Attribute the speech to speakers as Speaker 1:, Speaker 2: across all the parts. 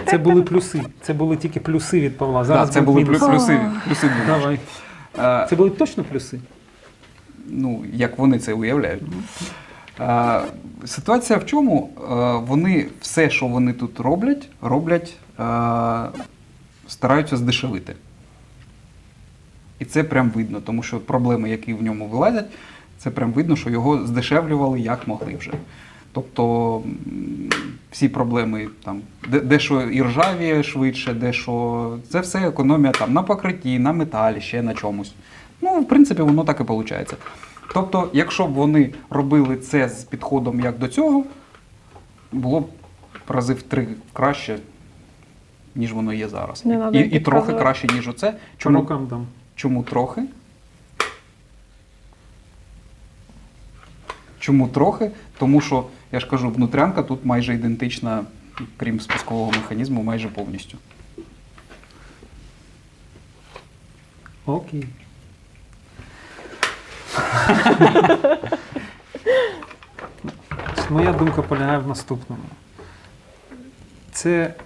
Speaker 1: це були плюси. Це були тільки плюси від Павла. Зараз
Speaker 2: Так, це були
Speaker 1: мінуси.
Speaker 2: плюси.
Speaker 1: Давай. Це були точно плюси?
Speaker 2: Ну, як вони це уявляють. Ситуація в чому? Вони все, що вони тут роблять, стараються здешевити. І це прям видно, тому що проблеми, які в ньому вилазять, це прям видно, що його здешевлювали як могли вже. Тобто всі проблеми, там, дещо і ржавіє швидше, дещо... Це все економія там, на покритті, на металі, ще на чомусь. Ну, в принципі, воно так і виходить. Тобто, якщо б вони робили це з підходом як до цього, було б рази в 3 краще, ніж воно є зараз. І трохи краще, ніж оце. Чому трохи? Чому трохи? Тому що, я ж кажу, внутрянка тут майже ідентична, крім спускового механізму, майже повністю.
Speaker 1: Окей. Моя думка полягає в наступному. Це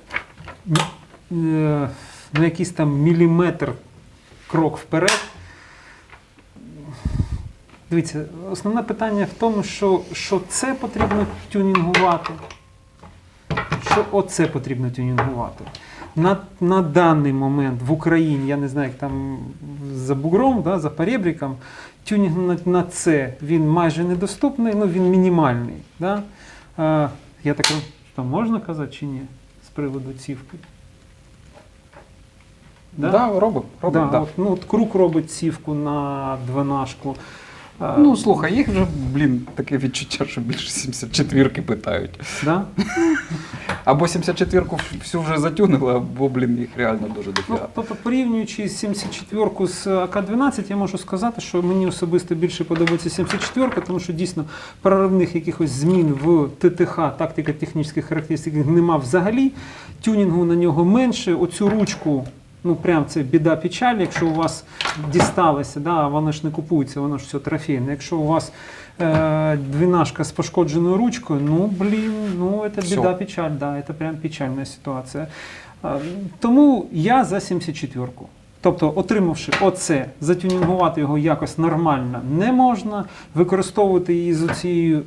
Speaker 1: на якийсь там міліметр крок вперед. Дивіться, основне питання в тому, що це потрібно тюнінгувати, що оце потрібно тюнінгувати. На даний момент в Україні, я не знаю, як там за бугром, да, за поребриком, тюнінг на це, він майже недоступний, ну він мінімальний. Да? Я так, там можна казати чи ні, з приводу цівки?
Speaker 2: Да, робить. Да.
Speaker 1: От Крук робить цівку на 12-шку.
Speaker 2: Ну, слухай, їх вже, таке відчуття, що більше 74-ки питають.
Speaker 1: Да?
Speaker 2: Або 74-ку всю вже затюнили, або, їх реально дуже дофіга.
Speaker 1: Ну, тобто, порівнюючи 74-ку з АК-12, я можу сказати, що мені особисто більше подобається 74-ка, тому що дійсно проривних якихось змін в ТТХ, тактико-технічних характеристик, нема взагалі. Тюнінгу на нього менше. Оцю ручку, ну прям це біда печаль, якщо у вас дісталося, да, воно ж не купується, воно ж все трофейне. Якщо у вас 12-шка з пошкодженою ручкою, це біда печаль, да, це прям печальна ситуація. Тому я за 74-ку. Тобто, отримавши оце, затюнінгувати його якось нормально не можна, використовувати її з оцією,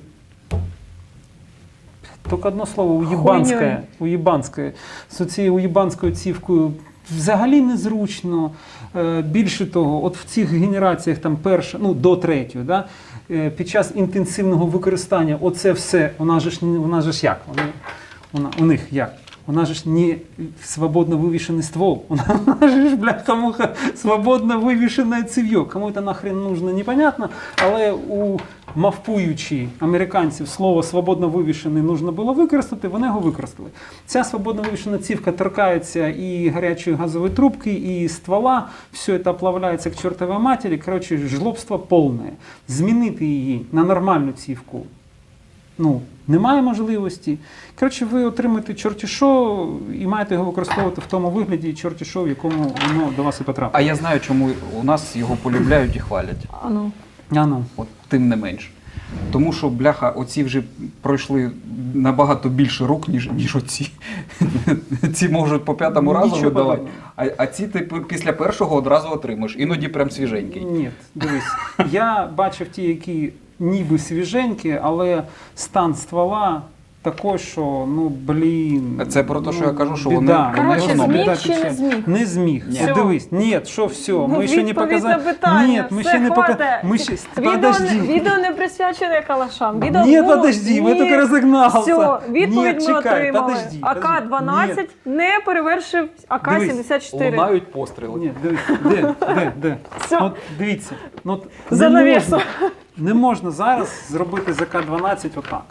Speaker 1: тільки одне слово, уєбанською, з цією уєбанською цівкою взагалі незручно. Більше того, от в цих генераціях там до 3-ї, да, під час інтенсивного використання оце все, вона ж як? У них як? Вона ж не свободно вивішений ствол, вона ж, бляха-муха, свободно вивішене цев'йо. Кому це нахрен нужно, непонятно, але у мавпуючи американців слово «свободно вивішений» нужно було використати, вони його використали. Ця свободно вивішена цівка торкається і гарячої газової трубки, і ствола, все це оплавляється к чортовій матері, коротше, жлобство повне. Змінити її на нормальну цівку немає можливості. Коротше, ви отримаєте чорті що і маєте його використовувати в тому вигляді чорті що, в якому воно до вас і потрапить.
Speaker 2: А я знаю, чому у нас його полюбляють і хвалять. От тим не менш. Тому що, бляха, оці вже пройшли набагато більше рук, ніж оці. Ці можуть по 5-му разу видавати, а ці ти після першого одразу отримаєш. Іноді прям свіженький.
Speaker 1: Ні, дивись, я бачив ті, які ніби свіженькі, але стан ствола такий, що,
Speaker 2: Це про те, що я кажу, що
Speaker 1: біда.
Speaker 3: Коротше, зміг чи не зміг?
Speaker 1: Не зміг.
Speaker 3: Все.
Speaker 1: Дивись, все, ми ще не показали.
Speaker 3: Питання.
Speaker 1: Ми ще не показали.
Speaker 3: Відео не присвячене калашам.
Speaker 1: Подожди, ми тільки розігналися.
Speaker 3: Все, відповідь ми отримали.
Speaker 1: Подожди.
Speaker 3: АК-12 не перевершив АК-74.
Speaker 2: Лунають постріли.
Speaker 1: Ні, дивись, де?
Speaker 3: Все.
Speaker 1: От дивіться.
Speaker 3: За навісом.
Speaker 1: Не можна зараз зробити з АК-12 отак.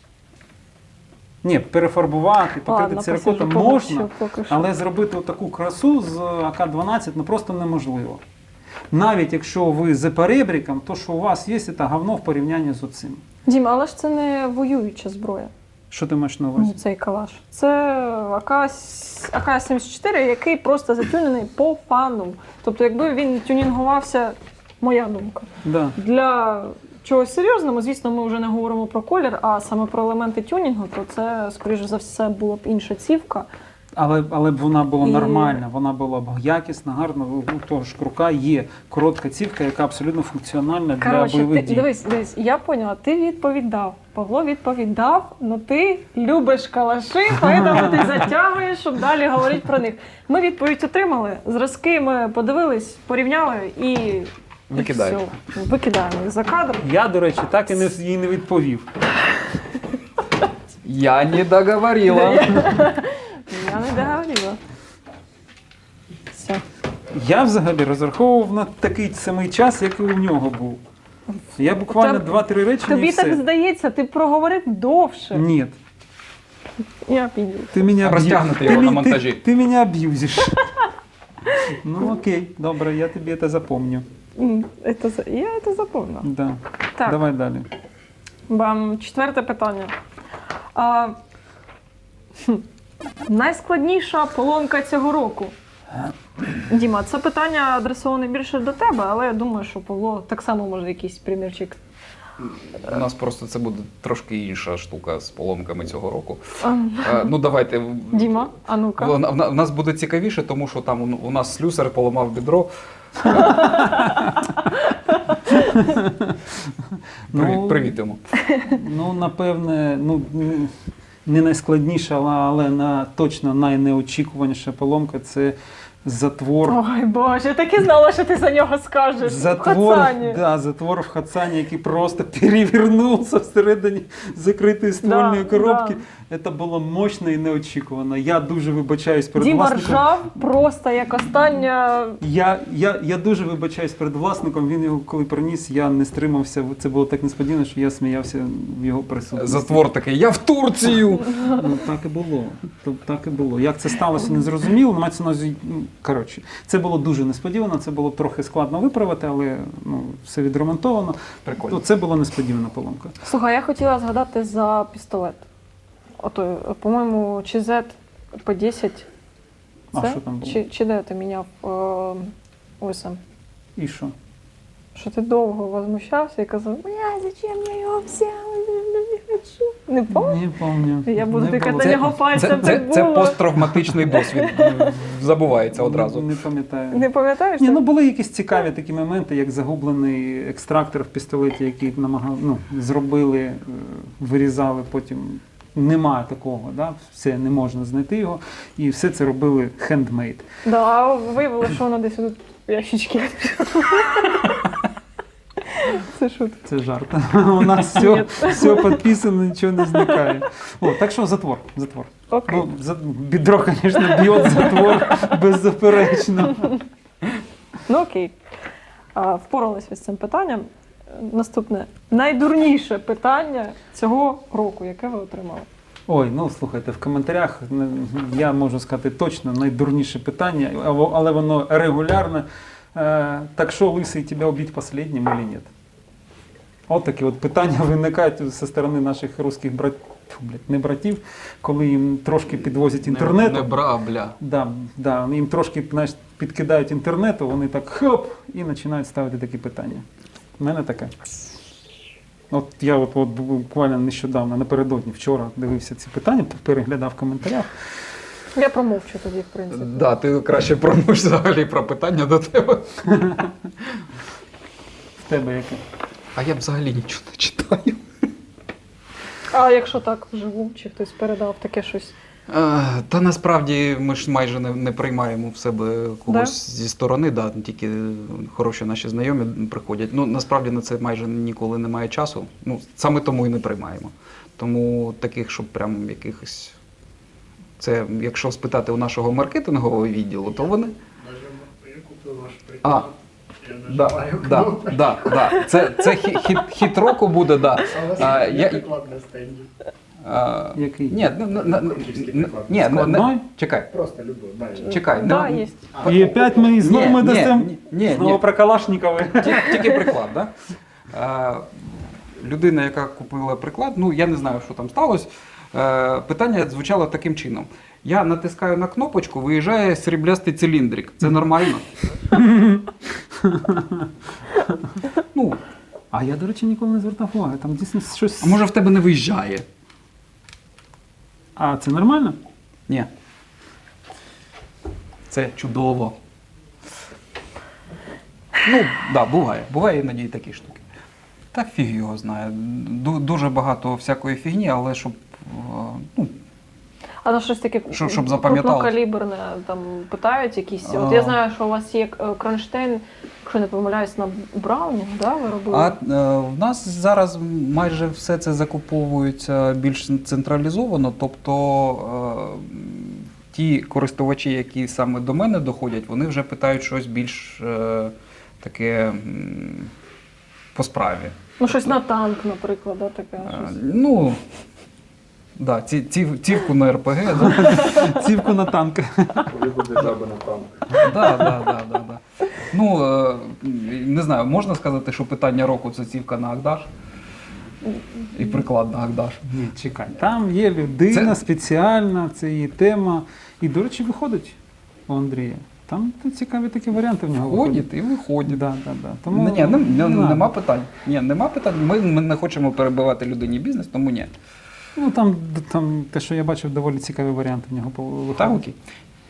Speaker 1: Ні, перефарбувати, покрити циркотом можна, але зробити таку красу з АК-12 просто неможливо. Навіть якщо ви за перебріком, то що у вас є, це говно в порівнянні з оцим.
Speaker 3: Дім, але ж це не воююча зброя.
Speaker 1: Що ти маєш на увазі?
Speaker 3: Цей калаш. Це АК-74, який просто затюнений по фану. Тобто, якби він тюнінгувався, моя думка, для чогось серйозного, звісно, ми вже не говоримо про колір, а саме про елементи тюнінгу, то це, скоріш за все, була б інша цівка.
Speaker 1: Але б вона була
Speaker 3: І-
Speaker 1: нормальна, вона була б якісна, гарна. У того ж крука є коротка цівка, яка абсолютно функціональна для
Speaker 3: Коротше,
Speaker 1: бойових
Speaker 3: ти,
Speaker 1: дій.
Speaker 3: дивись, я поняла, ти відповідав. Павло відповідав, але ти любиш калаши, тому ти затягуєш, щоб далі говорити про них. Ми відповідь отримали, зразки ми подивились, порівняли і
Speaker 2: Викидаємо.
Speaker 3: все. Викидаємо їх за кадр.
Speaker 1: Я, до речі, так і їй не відповів.
Speaker 2: Я не договорила.
Speaker 3: Я не договорила. Все.
Speaker 1: Я взагалі розраховував на такий самий час, як і у нього був. Я буквально
Speaker 3: Та
Speaker 1: 2-3 речення і
Speaker 3: Тобі
Speaker 1: все.
Speaker 3: так здається, ти проговорив довше.
Speaker 1: Ні,
Speaker 3: Я піду.
Speaker 1: ти мене
Speaker 2: Розтягнути його на монтажі.
Speaker 1: Ти мене аб'юзиш. Ну окей, добре, я тобі це запомню.
Speaker 3: Я це запомнила.
Speaker 1: Да.
Speaker 3: Так.
Speaker 1: Давай далі.
Speaker 3: Четверте питання. Найскладніша поломка цього року. Діма, це питання адресоване більше до тебе, але я думаю, що Павло так само може якийсь примірчик.
Speaker 2: У нас просто це буде трошки інша штука з поломками цього року. Ну давайте.
Speaker 3: Діма, а ну-ка.
Speaker 2: В нас буде цікавіше, тому що там у нас слюсар поламав бідро. Привіт йому.
Speaker 1: Ну, напевне, не найскладніша, але точно найнеочікуваніша поломка це затвор.
Speaker 3: Ой, Боже, я так і знала, що ти за нього скажеш.
Speaker 1: Затвор в Хацані, який просто перевернувся всередині закритої ствольної коробки. Це було мощно і неочікувано. Я дуже вибачаюсь перед
Speaker 3: Діма
Speaker 1: власником.
Speaker 3: ржав просто як остання.
Speaker 1: Я дуже вибачаюсь перед власником. Він його коли приніс, я не стримався. Це було так несподівано, що я сміявся в його присутності.
Speaker 2: Затвор такий, я в Турцію!
Speaker 1: Ну, так і було. Так і було. Як це сталося, не зрозуміло. Мається на увазі, коротше, це було дуже несподівано, це було трохи складно виправити, але все відремонтовано.
Speaker 2: Прикольно.
Speaker 1: Це була несподівана поломка.
Speaker 3: Слухай, я хотіла згадати за пістолет. Ото, по-моєму, чи Z P10.
Speaker 1: А
Speaker 3: Це?
Speaker 1: що там було?
Speaker 3: Чи де ти міняв ОСМ?
Speaker 1: І що?
Speaker 3: Що ти довго возмущався і казав, зачем я його взяв? Не хочу. Не пам'ятаєш?
Speaker 1: Не пам'ятаю.
Speaker 3: Я буду
Speaker 1: Не
Speaker 3: тикати
Speaker 1: було.
Speaker 3: на нього пальцем, так було.
Speaker 2: Це посттравматичний досвід. Забувається одразу.
Speaker 1: Не пам'ятаю.
Speaker 3: Не пам'ятаєш?
Speaker 1: Ні,
Speaker 3: так?
Speaker 1: були якісь цікаві такі моменти, як загублений екстрактор в пістолеті, який зробили, вирізали потім. Немає такого, да? Все, не можна знайти його. І все це робили хендмейд.
Speaker 3: Да, а виявилося, що воно десь тут в ящички. Це шутка.
Speaker 1: Це жарт. У нас все підписано, нічого не зникає. Так що затвор.
Speaker 3: Окей.
Speaker 1: Бідро, звісно, б'є затвор беззаперечно.
Speaker 3: Ну окей. Впоралися з цим питанням. Наступне. Найдурніше питання цього року, яке ви отримали?
Speaker 1: Слухайте, в коментарях я можу сказати точно найдурніше питання, але воно регулярне. Так що, лисий, тебе убить последнім или нет? От такі питання виникають зі сторони наших русських братів, коли їм трошки підвозять інтернету.
Speaker 2: Не бра, бля.
Speaker 1: Да, їм трошки підкидають інтернету, вони так хоп, і починають ставити такі питання. У мене таке. Я буквально нещодавно, напередодні, вчора дивився ці питання, переглядав в коментарях.
Speaker 3: Я промовчу тоді, в принципі.
Speaker 2: Да, ти краще промовч взагалі про питання до тебе.
Speaker 1: В тебе яке?
Speaker 2: А я взагалі нічого не читаю.
Speaker 3: А якщо так вживу, чи хтось передав таке щось?
Speaker 2: Та насправді ми ж майже не приймаємо в себе когось зі сторони, тільки хороші наші знайомі приходять. Насправді на це майже ніколи немає часу. Саме тому і не приймаємо. Тому таких, щоб прям якихось... Це, якщо спитати у нашого маркетингового відділу, то вони...
Speaker 4: Я купив ваш приклад.
Speaker 2: Це хіт року буде, да.
Speaker 4: А у вас є приклад на стенді?
Speaker 1: Який?
Speaker 2: Ні, чекай.
Speaker 4: Просто любов.
Speaker 2: Чекай.
Speaker 3: Да, є.
Speaker 1: І опять ми знову ми дасимо
Speaker 2: Ні.
Speaker 1: про Калашникова.
Speaker 2: Тільки приклад, да? Людина, яка купила приклад, я не знаю, що там сталося. Питання звучало таким чином. Я натискаю на кнопочку, виїжджає сріблястий циліндрик. Це нормально?
Speaker 1: А я, до речі, ніколи не звертав уваги. Там дійсно щось...
Speaker 2: А може в тебе не виїжджає?
Speaker 1: А це нормально?
Speaker 2: Ні. Це чудово. Ну, так, да, буває. Буває іноді і такі штуки. Та фіг його знає. Дуже багато всякої фігні, але щоб, ну,
Speaker 3: А то щось таке
Speaker 2: Щоб запам'яталось.
Speaker 3: крупнокаліберне там питають якісь. От я знаю, що у вас є кронштейн, якщо не помиляюсь, на Брауні, да, ви робили?
Speaker 2: в нас зараз майже все це закуповується більш централізовано, тобто ті користувачі, які саме до мене доходять, вони вже питають щось більш таке по справі.
Speaker 3: Ну, щось на танк, наприклад, да, таке. Щось.
Speaker 2: Ну, да, цівку на РПГ, да.
Speaker 1: Цівку на танк.
Speaker 4: Коли буде жаба на танк.
Speaker 2: Да. Ну, не знаю, можна сказати, що питання року це цівка на Агдаш? І приклад на Агдаш.
Speaker 1: Ні, чекай. Там є людина
Speaker 2: Це-
Speaker 1: спеціальна, це її тема. І, до речі, виходить у Андрія. Там цікаві такі варіанти в нього
Speaker 2: Ходять і виходять.
Speaker 1: Да. Тому
Speaker 2: Ні,
Speaker 1: не
Speaker 2: нема
Speaker 1: надо.
Speaker 2: питань. Ні, нема питань. Ми не хочемо перебивати людині бізнес, тому ні.
Speaker 1: Ну, там те, що я бачив, доволі цікаві варіанти в нього виходять.
Speaker 2: Так, окей.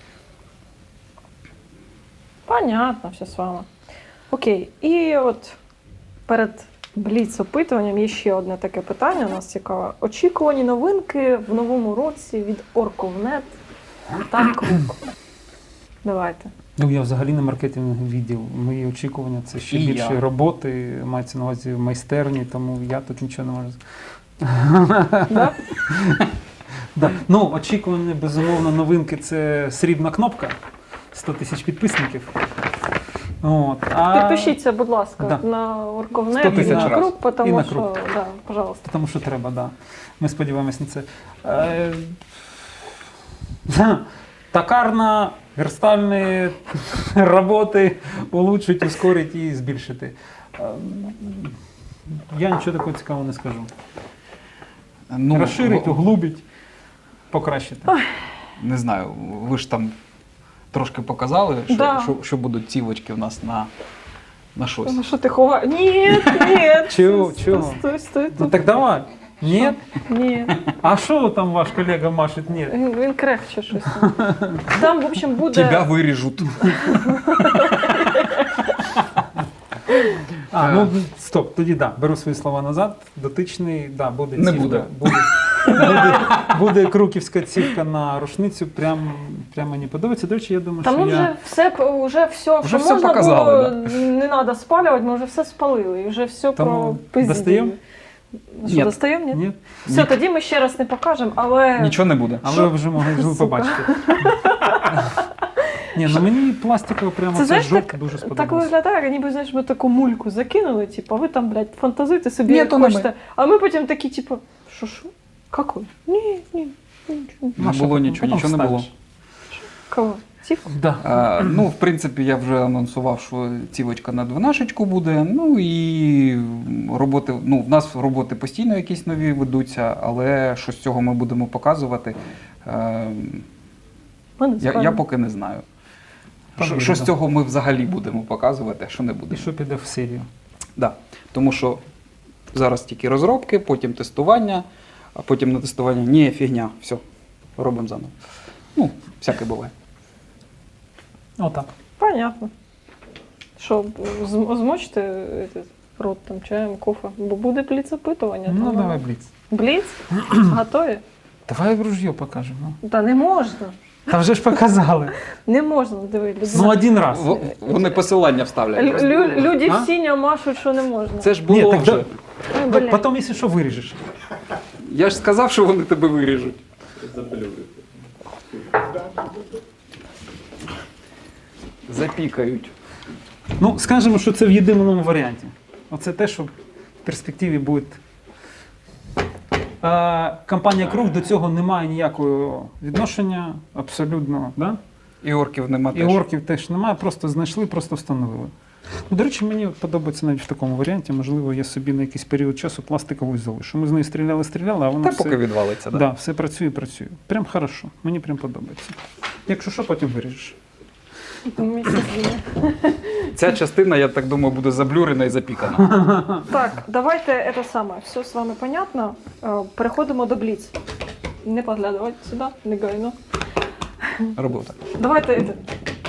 Speaker 3: Понятно, все з вами. Окей, і от перед бліц-опитуванням є ще одне таке питання, у нас цікаве. Очікувані новинки в новому році від Орковнет та Круг. Давайте.
Speaker 1: Ну, я взагалі на маркетинговий відділ. Мої очікування це ще
Speaker 2: І
Speaker 1: більше
Speaker 2: я.
Speaker 1: роботи, мається на увазі в майстерні, тому я тут нічого не можу.
Speaker 3: Да?
Speaker 1: Да. Ну, очікувані, безумовно, новинки це срібна кнопка. 100 тисяч підписників. От.
Speaker 3: Підпишіться, будь ласка,
Speaker 1: Да.
Speaker 3: на
Speaker 1: 100
Speaker 3: Орковнет і
Speaker 1: тисяч
Speaker 3: на
Speaker 2: раз.
Speaker 3: Круг,
Speaker 1: І
Speaker 3: тому
Speaker 1: на
Speaker 3: що,
Speaker 1: Круг.
Speaker 3: да, пожалуйста.
Speaker 1: Тому що треба, да. Ми сподіваємось на це. Токарно верстальні роботи улучшить, ускорить і збільшити. Я нічого такого цікавого не скажу.
Speaker 2: Ну,
Speaker 1: Розширить, углубить, покращити.
Speaker 2: не знаю, ви ж там трошки показали, що,
Speaker 3: Да.
Speaker 2: що будуть цівочки у нас на щось.
Speaker 3: Ну що ти ховаєш? Ні.
Speaker 1: Чого?
Speaker 3: Стой.
Speaker 1: Ну так давай. Ні?
Speaker 3: Ні.
Speaker 1: А що там ваш колега машить? Ні.
Speaker 3: Він крехче щось. Там, в общем, буде...
Speaker 2: Тебя виріжуть.
Speaker 1: Ну стоп, тоді да, беру свої слова назад. Дотичний, да, буде
Speaker 2: Не
Speaker 1: цівка.
Speaker 2: буде.
Speaker 1: Буде круківська цівка на рушницю. Прям мені подобається. До речі, я думаю,
Speaker 3: Там
Speaker 1: що
Speaker 3: ми
Speaker 1: я...
Speaker 3: вже все,
Speaker 2: Вже
Speaker 3: що
Speaker 2: все
Speaker 3: можна
Speaker 2: показали,
Speaker 3: було, не треба спалювати, ми вже все спалили, і вже все
Speaker 1: Тому
Speaker 3: пропиздили.
Speaker 1: достаємо?
Speaker 3: Що,
Speaker 2: Ні.
Speaker 3: достаємо? Ні?
Speaker 1: Ні?
Speaker 3: Все, тоді ми ще раз не покажемо, але...
Speaker 2: Нічого не буде.
Speaker 1: А
Speaker 3: Що?
Speaker 1: ви вже могли
Speaker 3: Сука.
Speaker 1: побачити. Ні, ну мені пластикова прямо
Speaker 3: Це,
Speaker 1: це
Speaker 3: знаєш,
Speaker 1: жовт дуже
Speaker 3: Так
Speaker 1: сподобалось.
Speaker 3: виглядає, ніби, знаєш, ми таку мульку закинули, типу, а ви там, блядь, фантазуйте собі,
Speaker 2: Ні,
Speaker 3: як
Speaker 2: то не
Speaker 3: хочете. А ми потім такі, типу, що? Какой? Ні, нічого.
Speaker 2: Не було нічого, нічого не було.
Speaker 3: Кого? Типу?
Speaker 1: Да.
Speaker 2: Ну, в принципі, я вже анонсував, що цівочка на 12 буде. Ну і роботи, ну, в нас роботи постійно якісь нові ведуться, але що з цього ми будемо показувати,
Speaker 3: Ми не
Speaker 2: я
Speaker 3: скажемо.
Speaker 2: поки не знаю.
Speaker 1: Повірю,
Speaker 2: Що з
Speaker 1: да.
Speaker 2: цього ми взагалі будемо показувати, а що не
Speaker 1: І
Speaker 2: будемо.
Speaker 1: що піде в серію?
Speaker 2: Да. Тому що зараз тільки розробки, потім тестування, а потім на тестування ні, фігня, все, робимо заново. Ну, всяке буває.
Speaker 1: Отак.
Speaker 3: Понятно. Що, змочите этот, рот там чаєм, кофе? Бо буде бліц-опитування.
Speaker 1: Ну,
Speaker 3: тому-
Speaker 1: давай бліц.
Speaker 3: Бліц? Готові?
Speaker 1: Давай в ружьо покажемо.
Speaker 3: Та не можна.
Speaker 1: Та вже ж показали.
Speaker 3: Не можна, диви,
Speaker 1: Ну, один раз.
Speaker 2: Вони посилання вставлять.
Speaker 3: Люди
Speaker 1: А?
Speaker 3: в синьо машуть, що не можна.
Speaker 2: Це ж
Speaker 1: Ні,
Speaker 2: було
Speaker 1: так
Speaker 2: вже.
Speaker 1: да.
Speaker 3: Ой, блядь.
Speaker 1: Потім, якщо що, виріжеш.
Speaker 2: Я ж сказав, що вони тебе виріжуть. Запікають.
Speaker 1: Ну, скажемо, що це в єдиному варіанті. Оце те, що в перспективі буде. Компанія Круг до цього не має ніякого відношення, абсолютно. Да?
Speaker 2: І орків нема
Speaker 1: І
Speaker 2: теж.
Speaker 1: орків теж немає, просто знайшли, просто встановили. Ну, до речі, мені подобається навіть в такому варіанті. Можливо, я собі на якийсь період часу пластикову залишу. Ми з нею стріляли, а вона
Speaker 2: Та
Speaker 1: все,
Speaker 2: поки відвалиться,
Speaker 1: да.
Speaker 2: да.
Speaker 1: Все працює. Прям хорошо. Мені прям подобається. Якщо що, потім виріжеш.
Speaker 2: Ця частина, я так думаю, буде заблюрена і запікана.
Speaker 3: Так, давайте це саме. Все з вами понятно. Переходимо до Бліц. Не поглядувати сюди, не гайно.
Speaker 2: Робив так.
Speaker 3: Давайте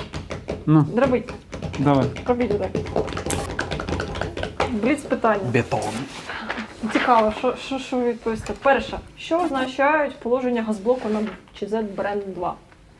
Speaker 1: Ну,
Speaker 3: Дробить.
Speaker 1: давай.
Speaker 3: Робіть отак. Бліц питання.
Speaker 2: Бетон.
Speaker 3: Цікаво, що ви відповісти. Перше, що означають положення газблоку на ЧЗ Бренд 2?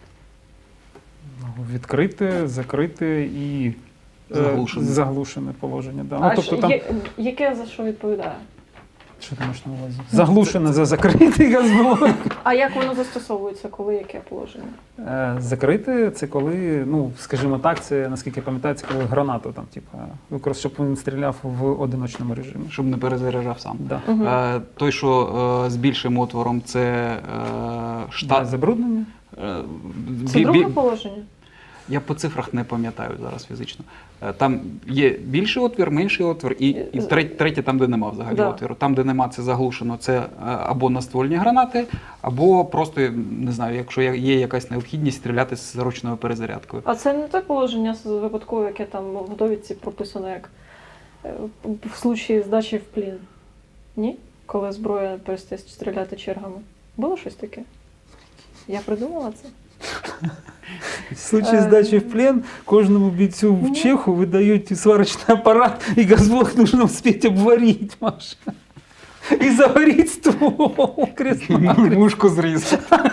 Speaker 1: Відкрите, закрите і заглушене положення. Да. Ну, тобто там,
Speaker 3: яке за що відповідає?
Speaker 1: що ти маєш на увазі? Заглушене за закритий газблок.
Speaker 3: А як воно застосовується, коли яке положення?
Speaker 1: Закрите це коли, ну, скажімо так, це, наскільки я пам'ятаю, це коли гранату там, типу, щоб він стріляв в одиночному режимі.
Speaker 2: Щоб не перезаряджав сам.
Speaker 1: Да.
Speaker 3: Угу.
Speaker 2: Той, що з більшим отвором, це штат.
Speaker 1: Забруднення?
Speaker 3: Це друге положення?
Speaker 2: Я по цифрах не пам'ятаю зараз фізично. Там є більший отвір, менший отвір, і третє там, де нема взагалі
Speaker 3: Да.
Speaker 2: отвіру. Там, де нема, це заглушено, це або наствольні гранати, або просто, не знаю, якщо є якась необхідність стріляти з ручною перезарядкою.
Speaker 3: А це не те положення випадкове, яке там в довідці прописано як в случаї здачі в плін? Ні? Коли зброя перестає стріляти чергами. Було щось таке? Я придумала це?
Speaker 1: В случае здачи в плен кожному бійцю в Чеху выдают сварочный аппарат, и газблок нужно успеть обварить, Маша. И заварить ствол крест-накрест.
Speaker 2: Мушку зріз.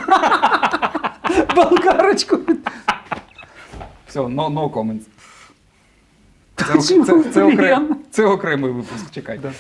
Speaker 1: Болгарочку.
Speaker 2: Все, no comments.
Speaker 1: Почему плен?
Speaker 2: Це окремий випуск, чекай.
Speaker 1: Да.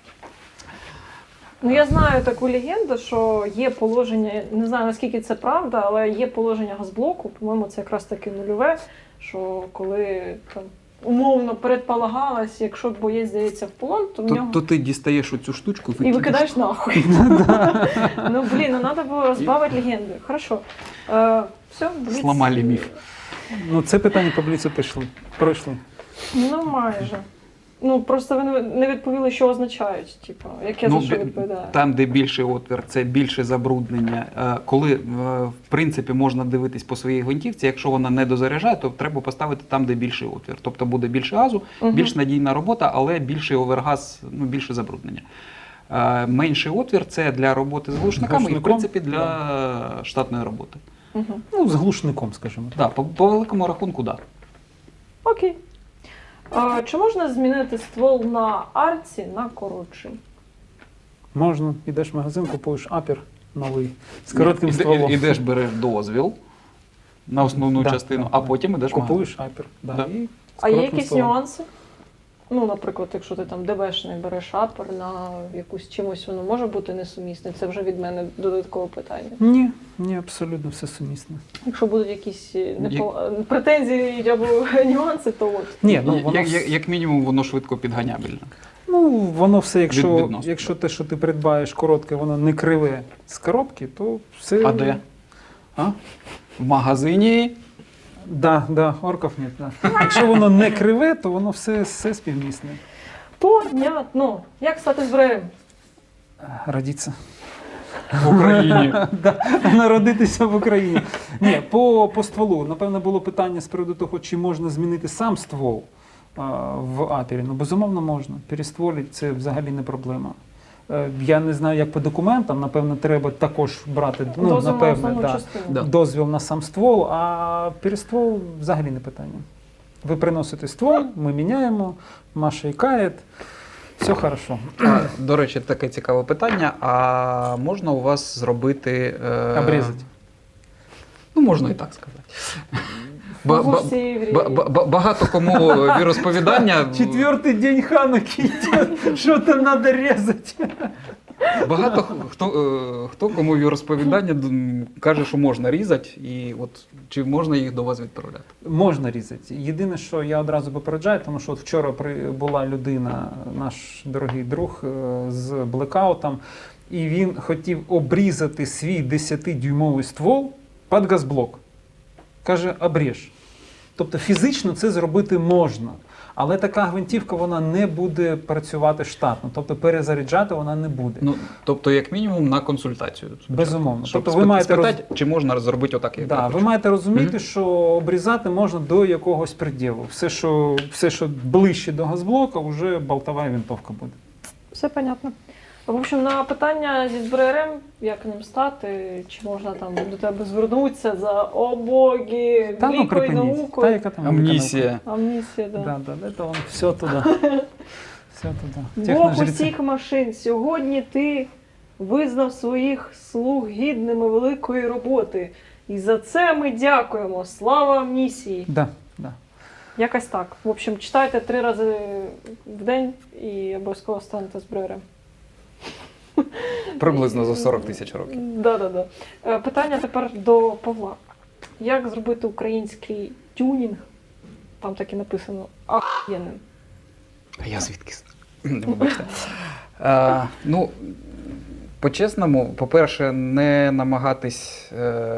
Speaker 3: Ну, я знаю таку легенду, що є положення, не знаю наскільки це правда, але є положення газблоку, по-моєму, це якраз таки нульове, що коли там умовно передполагалось, якщо боєць здається в полон, то в нього...
Speaker 2: То ти дістаєш оцю штучку
Speaker 3: І викидаєш нахуй. Ну, блін, ну треба було розбавити легенду. Хорошо. Все, бліц.
Speaker 2: Сломали міф.
Speaker 1: Ну, це питання по бліцу пройшли.
Speaker 3: Ну, майже. Ну, просто ви не відповіли, що означають, типу, яке за що відповідає.
Speaker 2: Там, де більший отвір, це більше забруднення. Коли, в принципі, можна дивитись по своїй гвинтівці, якщо вона не дозаряджає, то треба поставити там, де більший отвір. Тобто буде більше газу, більш надійна робота, але більший овергаз, ну, більше забруднення. Менший отвір – це для роботи з глушниками і, в принципі, для штатної роботи.
Speaker 1: Ну, з глушником, скажімо.
Speaker 2: Да, по великому рахунку, так. Да.
Speaker 3: Окей. Чи можна змінити ствол на арці на коротший?
Speaker 1: Можна. Ідеш в магазин, купуєш апер новий з коротким стволом.
Speaker 2: Ідеш, береш дозвіл на основну частину, а потім ідеш в магазин.
Speaker 1: Купуєш апер. Да.
Speaker 2: Да.
Speaker 1: І з
Speaker 3: А є
Speaker 1: коротким
Speaker 3: якісь
Speaker 1: стволом.
Speaker 3: нюанси? Ну, наприклад, якщо ти там ДБшний береш апер на якусь чимось, воно може бути несумісне. Це вже від мене додаткове питання.
Speaker 1: Ні, абсолютно все сумісне.
Speaker 3: Якщо будуть якісь претензії або нюанси, то от.
Speaker 1: Ні, ну, воно
Speaker 2: Як мінімум, воно швидко підганябельне.
Speaker 1: Ну, воно все,
Speaker 2: Відносно.
Speaker 1: якщо те, що ти придбаєш коротке, воно не криве з коробки, то все...
Speaker 2: А де? В магазині.
Speaker 1: Да, орків нет. Да. Якщо воно не криве, то воно все співмісне.
Speaker 3: Понятно. Як стати зброєм?
Speaker 1: Родиться.
Speaker 2: В Україні.
Speaker 1: Народитися в Україні. Ні, по стволу. Напевно, було питання з приводу того, чи можна змінити сам ствол в апері. Ну, безумовно, можна. Перестволити – це взагалі не проблема. Я не знаю, як по документам, напевно, треба також брати
Speaker 3: Дозвіл на
Speaker 1: напевне,
Speaker 3: основну
Speaker 1: да,
Speaker 3: частину.
Speaker 2: Да.
Speaker 1: дозвіл на сам ствол, а перествол взагалі не питання. Ви приносите ствол, ми міняємо, Маша ікає, все хорошо.
Speaker 2: До речі, таке цікаве питання. А можна у вас зробити...
Speaker 1: Обрізати.
Speaker 2: Ну, можна і так сказати. Багато кому віросповідання...
Speaker 1: Четвертий день Хануки йде, що там треба різати.
Speaker 2: Багато хто кому віросповідання каже, що можна різати, і от чи можна їх до вас відправляти?
Speaker 1: Можна різати. Єдине, що я одразу попереджаю, тому що от вчора була людина, наш дорогий друг, з блекаутом, і він хотів обрізати свій 10-дюймовий ствол під газблок. Каже, обріж. Тобто фізично це зробити можна. Але така гвинтівка, вона не буде працювати штатно. Тобто перезаряджати вона не буде.
Speaker 2: Ну, тобто, як мінімум, на консультацію.
Speaker 1: Безумовно.
Speaker 2: Щоб
Speaker 1: Тобто ви маєте
Speaker 2: спитати, чи можна зробити отак, як я
Speaker 1: ви
Speaker 2: хочу.
Speaker 1: маєте розуміти, що обрізати можна до якогось приділу. Все, що ближче до газблока, вже болтова винтовка буде.
Speaker 3: Все понятно. В общем, на питання зі зброярем, як ним стати, чи можна там до тебе звернутися за «О боги,
Speaker 1: Та ну
Speaker 3: великою
Speaker 1: припиніть. Та
Speaker 3: наукою».
Speaker 1: яка там
Speaker 2: Амнісія.
Speaker 3: Амнісія, да.
Speaker 1: Да, да, это он все туда. Все туда.
Speaker 3: Бог
Speaker 1: Техножреці.
Speaker 3: усіх машин, сьогодні ти визнав своїх слуг гідними великої роботи. І за це ми дякуємо. Слава амнісії!
Speaker 1: Да, да.
Speaker 3: Якось так. В общем, читайте 3 рази в день і обов'язково станете зброярем.
Speaker 2: Приблизно за 40 тисяч років.
Speaker 3: Да. Питання тепер до Павла. Як зробити український тюнінг, там так і написано, ахуєнним?
Speaker 2: А я звідки? Вибачте. Ну, по-чесному, по-перше, не намагатись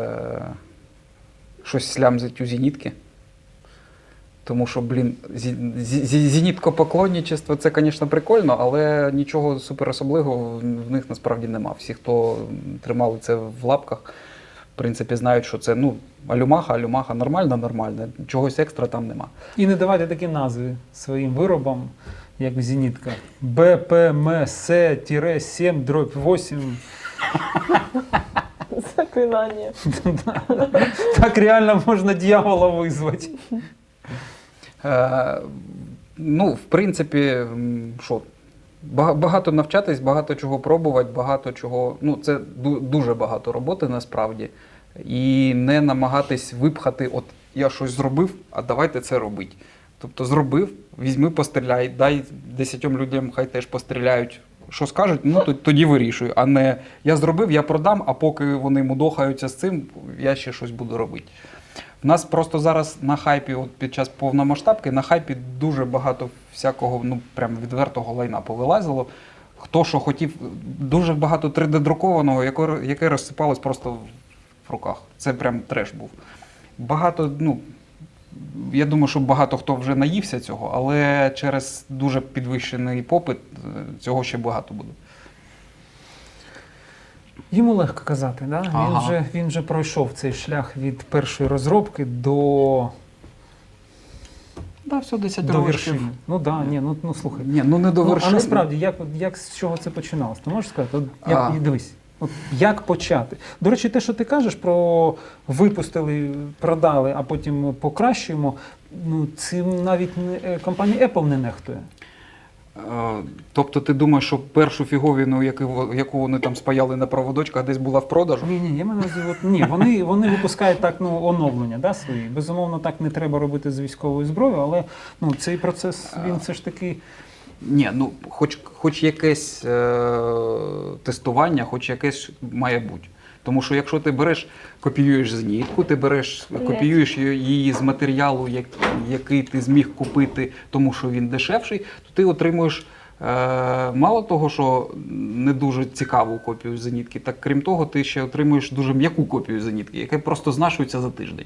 Speaker 2: щось слямзити у зенітки. Тому що, зеніткопоклонничество – це, звісно, прикольно, але нічого суперособливого в них насправді нема. Всі, хто тримали це в лапках, в принципі, знають, що це, алюмаха, нормально, чогось екстра там нема.
Speaker 1: І не давайте такі назви своїм виробам, як зенітка. БПМС-7-8.
Speaker 3: Заклинання.
Speaker 1: Так реально можна дьявола визвати.
Speaker 2: В принципі, багато навчатись, багато чого пробувати, багато чого. Це дуже багато роботи насправді. І не намагатись випхати, от я щось зробив, а давайте це робити. Тобто зробив, візьми, постріляй, дай 10 людям, хай теж постріляють. Що скажуть, тоді вирішую. А не я зробив, я продам, а поки вони мудохаються з цим, я ще щось буду робити. У нас просто зараз на хайпі, от під час повномасштабки, на хайпі дуже багато всякого, прям відвертого лайна повилазило. Хто що хотів, дуже багато 3D-друкованого, яке розсипалось просто в руках. Це прям треш був. Багато, я думаю, що багато хто вже наївся цього, але через дуже підвищений попит цього ще багато буде.
Speaker 1: Йому легко казати, да?
Speaker 2: Ага.
Speaker 1: Він вже пройшов цей шлях від першої розробки до
Speaker 2: Все 10
Speaker 1: до
Speaker 2: років.
Speaker 1: вершини. Слухай.
Speaker 2: Ні, не до вершини.
Speaker 1: А насправді, як з чого це починалось? Ти можеш сказати? Дивись, як почати? До речі, те, що ти кажеш про випустили, продали, а потім покращуємо, цим навіть компанія Apple не нехтує.
Speaker 2: Тобто ти думаєш, що першу фіговіну, яку вони там спаяли на проводочках, десь була в продажу?
Speaker 1: Ні, я маю на увазі, вони випускають так оновлення свої. Безумовно, так не треба робити з військовою зброєю, але цей процес, він все ж таки...
Speaker 2: Ні, хоч якесь тестування, хоч якесь має бути. Тому що якщо ти копіюєш зенітку, копіюєш її з матеріалу, який ти зміг купити, тому що він дешевший, то ти отримуєш мало того, що не дуже цікаву копію зенітки, так крім того, ти ще отримуєш дуже м'яку копію зенітки, яка просто знашується за тиждень.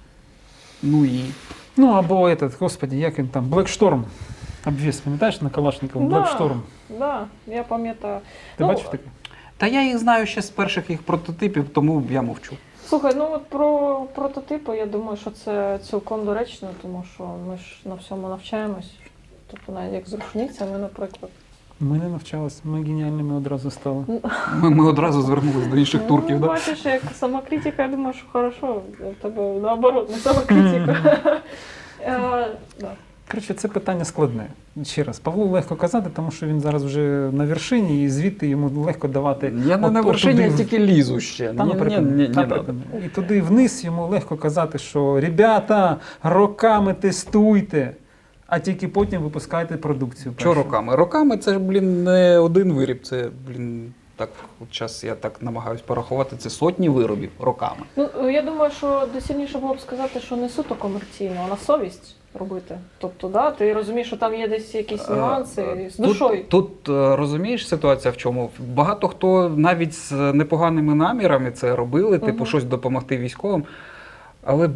Speaker 1: Або господи, як він там, Black Storm. Обвіс, пам'ятаєш, на Калашникову? Black Storm.
Speaker 3: Да, я пам'ятаю.
Speaker 1: Ти бачив таке?
Speaker 2: Та я їх знаю ще з перших їх прототипів, тому я мовчу.
Speaker 3: Слухай, про прототипи, я думаю, що це цілком доречно, тому що ми ж на всьому навчаємось. Тобто навіть як з рушницями, наприклад.
Speaker 1: Ми не навчалися, ми геніальними одразу стали.
Speaker 2: Ми одразу звернулися до інших турків.
Speaker 3: Бачиш, як самокритика, я думаю, що хорошо, в тебе наоборот, не самокритика.
Speaker 1: Коротше, це питання складне. Ще раз, Павлу легко казати, тому що він зараз вже на вершині, і звідти йому легко давати...
Speaker 2: Я не на вершині, я тільки лізу ще.
Speaker 1: І туди вниз йому легко казати, що «Ребята, роками тестуйте, а тільки потім випускайте продукцію».
Speaker 2: Що роками? Роками це ж, не один виріб, це, так, от зараз я так намагаюсь порахувати, це сотні виробів роками.
Speaker 3: Я думаю, що доцільніше було б сказати, що не суто комерційно, а на совість робити. Тобто, ти розумієш, що там є десь якісь нюанси з душою.
Speaker 2: Тут розумієш, ситуація в чому? Багато хто навіть з непоганими намірами це робили, типу щось допомогти військовим. Але,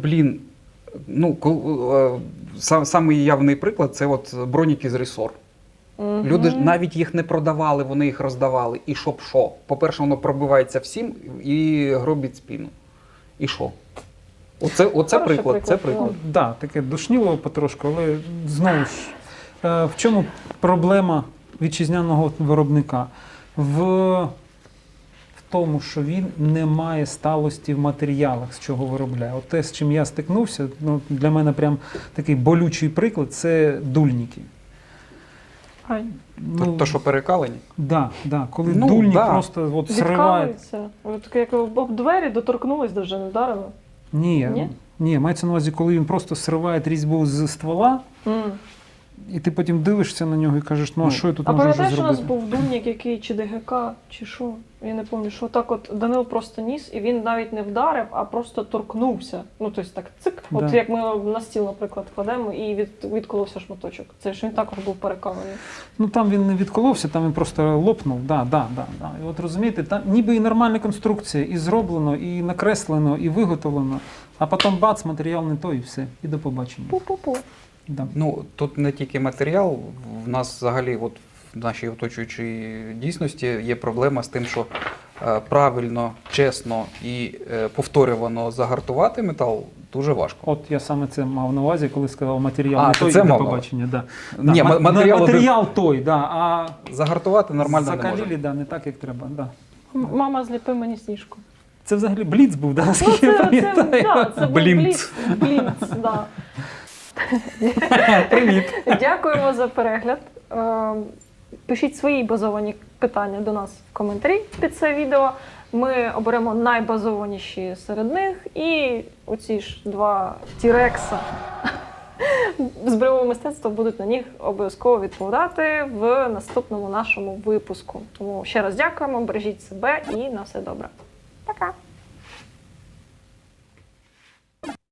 Speaker 2: самий явний приклад – це от броніки з Ресор. Люди ж навіть їх не продавали, вони їх роздавали. І щоб що? По-перше, воно пробивається всім і гробить спину. І що? Оце приклад. Це приклад.
Speaker 1: Так, таке душніло потрошку, але знову ж, в чому проблема вітчизняного виробника? в тому, що він не має сталості в матеріалах, з чого виробляє. От те, з чим я стикнувся, ну, для мене прям такий болючий приклад, це дульники.
Speaker 3: Ай,
Speaker 2: То, що перекалені?
Speaker 1: Да, коли
Speaker 2: Ну,
Speaker 1: дульник
Speaker 2: да.
Speaker 1: просто от сриває.
Speaker 3: відкалується. От як об двері доторкнулись, даже не вдарило.
Speaker 1: Ні,
Speaker 3: Ні?
Speaker 1: мається на увазі, коли він просто сриває різьбу з ствола, і ти потім дивишся на нього і кажеш, ну а що я тут
Speaker 3: А
Speaker 1: можу вже
Speaker 3: пам'ятаєш, у нас
Speaker 1: зробити?
Speaker 3: був дульник, який чи ДГК, чи що? Я не пам'ятаю, що так от Данил просто ніс, і він навіть не вдарив, а просто торкнувся. Ну, тобто так цик. От
Speaker 1: Да.
Speaker 3: як ми на стіл, наприклад, кладемо, і відколовся шматочок. Це ж він також був перекалений.
Speaker 1: Ну там він не відколовся, там він просто лопнув. Да. І от розумієте, там ніби і нормальна конструкція, і зроблено, і накреслено, і виготовлено, а потім бац, матеріал не той, і все, і до побачення.
Speaker 3: Пу-пу-пу.
Speaker 1: Да.
Speaker 2: Ну, тут не тільки матеріал, в нас взагалі от в нашій оточуючій дійсності є проблема з тим, що правильно, чесно і повторювано загартувати метал дуже важко.
Speaker 1: От я саме це мав на увазі, коли сказав матеріал
Speaker 2: А,
Speaker 1: не
Speaker 2: ти
Speaker 1: той,
Speaker 2: це
Speaker 1: і до
Speaker 2: мав на
Speaker 1: побачення. Да.
Speaker 2: Ні,
Speaker 1: матеріал той, да, а
Speaker 2: Загартувати нормально не
Speaker 1: закалілі,
Speaker 2: може.
Speaker 1: да, не так, як треба. Да.
Speaker 3: Мама, зліпи мені сніжку.
Speaker 1: Це взагалі бліц був, да,
Speaker 3: Ну,
Speaker 1: наскільки я пам'ятаю.
Speaker 3: це був
Speaker 2: Блінц.
Speaker 3: Блінц, да.
Speaker 1: Привіт.
Speaker 3: Дякуємо за перегляд. Пишіть свої базовані питання до нас в коментарі під це відео. Ми оберемо найбазованіші серед них. І оці ж два тірекса з бойового мистецтва будуть на них обов'язково відповідати в наступному нашому випуску. Тому ще раз дякуємо, бережіть себе і на все добре.